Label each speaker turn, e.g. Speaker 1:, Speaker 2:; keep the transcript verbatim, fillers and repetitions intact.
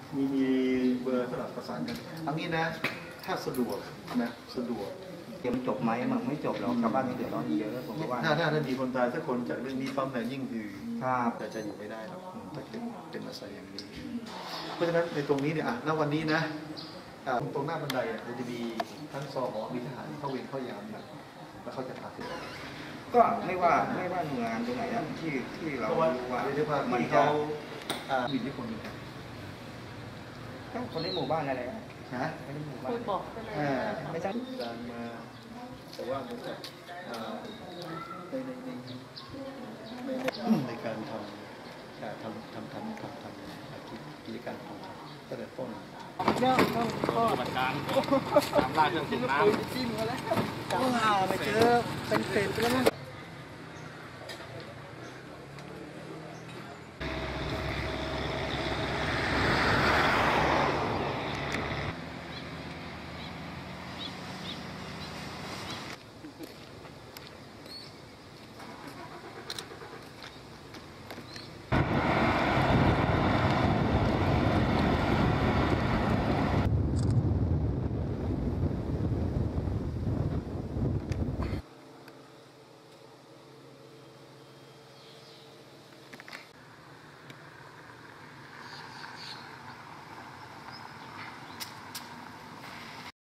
Speaker 1: มีมีเบอร์สลับประสานกันอันนี้นะถ้าสะดวกนะสะดวก
Speaker 2: เดี๋ยวมันจบไหมมันไม่จบหรอกชาวบ้านยังเดือดร้อนเยอะผมว่า
Speaker 1: ถ้าถ้าถ้ามีคนตายสักคนจากเรื่องนี้ปั๊มเนี่ยยิ่งคือ
Speaker 2: ครับ
Speaker 1: แต่จะอยู่ไม่ได้หรอกถ้าเป็นเป็นอาศัยอย่างนี้เพราะฉะนั้นในตรงนี้เนี่ยอ่ะณวันนี้นะตรงหน้าบันไดเนี่ยจะมีทั้งซอหอมีทหารเข้าเวรเข้ายามนะแล้วเขาจะพาถึง
Speaker 2: ก็ไม่ว่าไม่ว่าหน่วยงานตรงไหนนะที่ที่เราว่า
Speaker 1: มันเขามีที่คนหนึ่ง
Speaker 2: ก็คนในหมู่บ้านอะไร
Speaker 1: ฮะ
Speaker 2: คนในหมู่บ้าน
Speaker 3: บอก
Speaker 2: ไม่ใช่
Speaker 1: การมาแต่ว่าเหมือนกับในในในในในการทำทำทำทำทำทำกิจการของตั้งแต่ต้น
Speaker 3: เนี่ยต้องก็
Speaker 4: ปฏิบัติการตามล่าเครื่องสูบน้ำ
Speaker 3: จิ้มมาแล้วจิ้มมาแล้วไปเจอเป็นเศษไปแล้ว